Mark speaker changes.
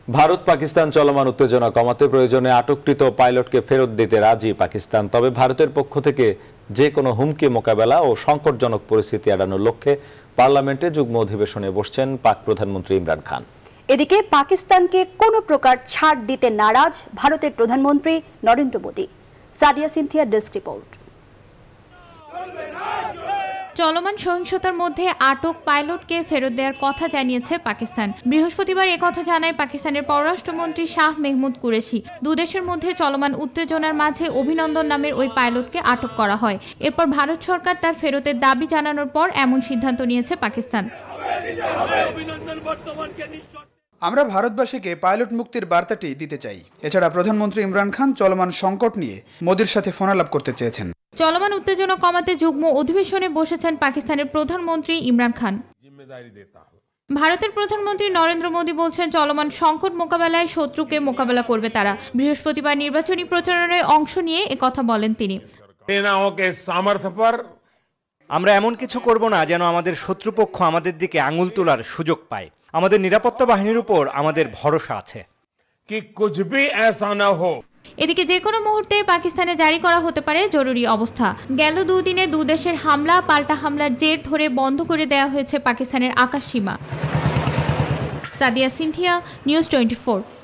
Speaker 1: ভারত পাকিস্তান চলমান উত্তেজনা কমাতে প্রয়োজনে আটককৃত পাইলটকে ফেরত দিতে রাজি পাকিস্তান। তবে ভারতের পক্ষ থেকে যে কোনো হুমকি মোকাবেলা ও সংকটজনক পরিস্থিতি এড়ানোর লক্ষ্যে পার্লামেন্টে যুগ্ম অধিবেশনে বসছেন পাক প্রধানমন্ত্রী ইমরান খান।
Speaker 2: এদিকে পাকিস্তানকে কোনো প্রকার ছাড় দিতে নারাজ ভারতের প্রধানমন্ত্রী নরেন্দ্র মোদী। Sadia Sinthia desk report.
Speaker 3: চলমান সহিংসতার মধ্যে আটক পাইলটকে ফেরত দেওয়ার কথা জানিয়েছে পাকিস্তান। বৃহস্পতিবার একথা জানায় পাকিস্তানের পররাষ্ট্রমন্ত্রী শাহ মেহমুদ কুরেশি। দুদেশের মধ্যে চলমান উত্তেজনার মাঝে অভিনন্দন নামের ওই পাইলটকে আটক করা হয়। এরপর ভারত সরকার তার ফেরতের দাবি জানানোর পর এমন সিদ্ধান্ত নিয়েছে পাকিস্তান।
Speaker 4: আমরা ভারতবাসীকে পাইলট মুক্তির বার্তাটি দিতে চাই। এছাড়া প্রধানমন্ত্রী ইমরান খান চলমান সংকট নিয়ে মোদির সাথে ফোনালাপ করতে চেয়েছেন।
Speaker 3: চলমান উত্তেজনা কমাতে যুগ্ম অধিবেশনে বসেছেন পাকিস্তানের প্রধানমন্ত্রী ইমরান খান। ভারতের প্রধানমন্ত্রী নরেন্দ্র মোদী বলছেন, চলমান সংকট মোকাবেলায় শত্রুকে মোকাবেলা করবে তারা। বৃহস্পতিবার নির্বাচনী প্রচারণায় অংশ নিয়ে একথা বলেন তিনি।
Speaker 5: আমরা এমন কিছু করব না যেন আমাদের শত্রুপক্ষ আমাদের দিকে আঙুল তোলার সুযোগ পায়। আমাদের নিরাপত্তা বাহিনীর উপর আমাদের ভরসা আছে।
Speaker 3: এদিকে যে কোনো মুহূর্তে পাকিস্তানে জারি করা হতে পারে জরুরি অবস্থা। গেল দুদিনে দুদেশের হামলা পাল্টা হামলার জের ধরে বন্ধ করে দেওয়া হয়েছে পাকিস্তানের আকাশ সীমা। সাদিয়া সিনথিয়া, নিউজ 24।